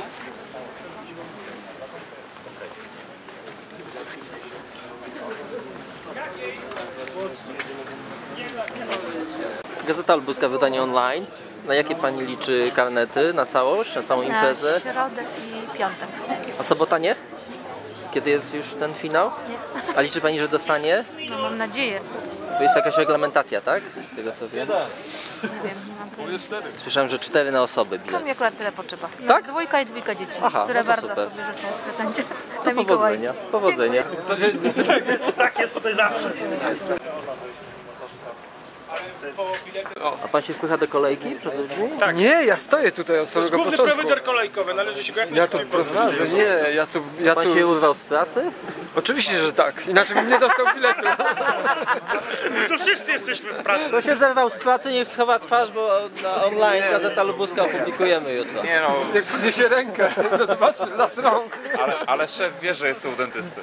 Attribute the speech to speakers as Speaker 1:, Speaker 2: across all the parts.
Speaker 1: Gazeta Lubuska, wydanie online. Na jakie pani liczy karnety? Na całość? Na całą imprezę?
Speaker 2: Na środek i piątek.
Speaker 1: A sobota nie? Kiedy jest już ten finał?
Speaker 2: Nie.
Speaker 1: A liczy pani, że dostanie?
Speaker 2: No mam nadzieję.
Speaker 1: To jest jakaś reglamentacja, tak? Z tego co wiem.
Speaker 2: Nie wiem, nie mam pojęcia.
Speaker 1: Słyszałem, że 4 na osobę
Speaker 2: To
Speaker 1: bilet.
Speaker 2: mi akurat tyle potrzeba.
Speaker 1: Tak?
Speaker 2: Nas dwójka i dwójka dzieci,
Speaker 1: Aha,
Speaker 2: które
Speaker 1: no to
Speaker 2: bardzo
Speaker 1: super.
Speaker 2: sobie życzą w prezencie na Mikołajki.
Speaker 1: Powodzenia.
Speaker 3: Tak jest tutaj zawsze.
Speaker 1: A pan się wpycha do kolejki przed ludźmi?
Speaker 3: Tak.
Speaker 4: Nie, ja stoję tutaj od samego
Speaker 3: Główny
Speaker 4: początku.
Speaker 3: prowajder kolejkowy, należy się go jak
Speaker 4: Ja tu prowadzę, nie, ja
Speaker 1: Pan
Speaker 4: tu...
Speaker 1: się urwał z pracy?
Speaker 4: Oczywiście, że tak, inaczej bym nie dostał biletu.
Speaker 3: Tu wszyscy jesteśmy w pracy.
Speaker 1: Kto się zerwał z pracy, niech schowa twarz, bo na online Gazeta Lubuska opublikujemy jutro.
Speaker 5: Nie no,
Speaker 4: Jak podniesie rękę, to zobaczysz las rąk.
Speaker 5: ale szef wie, że jest to u dentysty.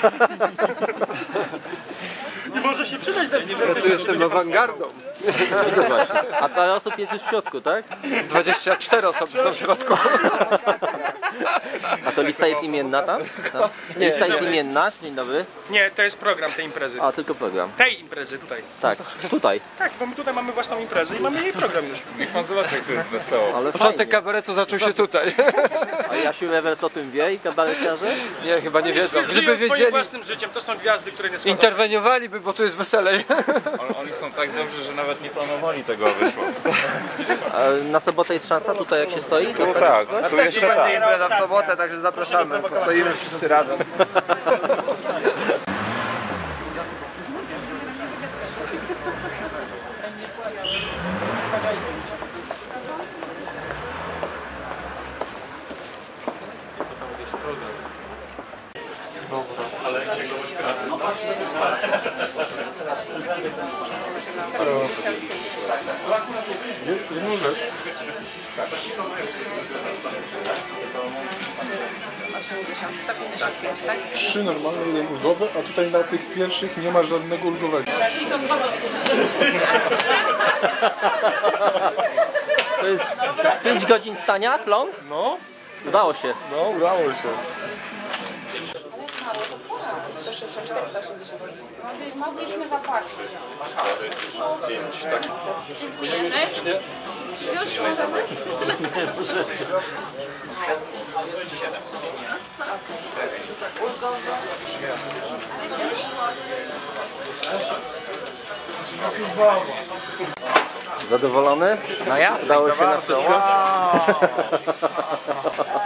Speaker 3: Nie może się przydać do
Speaker 4: Ja tu jestem awangardą.
Speaker 1: A parę osób jest już w środku, tak?
Speaker 4: 24 osoby są w środku.
Speaker 1: A to lista jest imienna tam? Lista jest imienna. Dzień dobry.
Speaker 3: Nie, to jest program tej imprezy.
Speaker 1: A, tylko program.
Speaker 3: Tej imprezy tutaj.
Speaker 1: Tak, tutaj.
Speaker 3: Tak, bo my tutaj mamy własną imprezę i mamy jej program już.
Speaker 5: Niech pan zobaczy, jak to jest wesoło.
Speaker 1: Ale
Speaker 4: Początek
Speaker 1: fajnie.
Speaker 4: kabaretu zaczął się tutaj.
Speaker 1: A Jasiu Rewers o tym wie i kabareciarze?
Speaker 4: Nie, chyba nie wiedzą.
Speaker 3: Żyją
Speaker 4: Gdyby
Speaker 3: swoim
Speaker 4: wiedzieli,
Speaker 3: własnym życiem, to są gwiazdy, które nie schodzą.
Speaker 4: interweniowaliby, bo tu jest weselej.
Speaker 5: Oni są tak dobrzy, że nawet nie planowali tego, a wyszło.
Speaker 1: A na sobotę jest szansa tutaj jak się stoi?
Speaker 5: Tu tak, tu jeszcze tak.
Speaker 4: impreza w sobotę, także zapraszamy. Stoimy wszyscy razem.
Speaker 6: Jedną rzecz.
Speaker 2: 155, tak?
Speaker 6: 3 normalne, 1 ulgowy, a tutaj na tych pierwszych nie ma żadnego ulgowego.
Speaker 1: To jest 5 godzin stania, long?
Speaker 6: No,
Speaker 1: Udało się.
Speaker 6: no udało się.
Speaker 2: 164, 180. Mogliśmy zapłacić. Dziękujemy. Już możemy.
Speaker 1: Zadowolony?
Speaker 4: No jasne,
Speaker 1: Udało się na wszystko?
Speaker 4: Wow.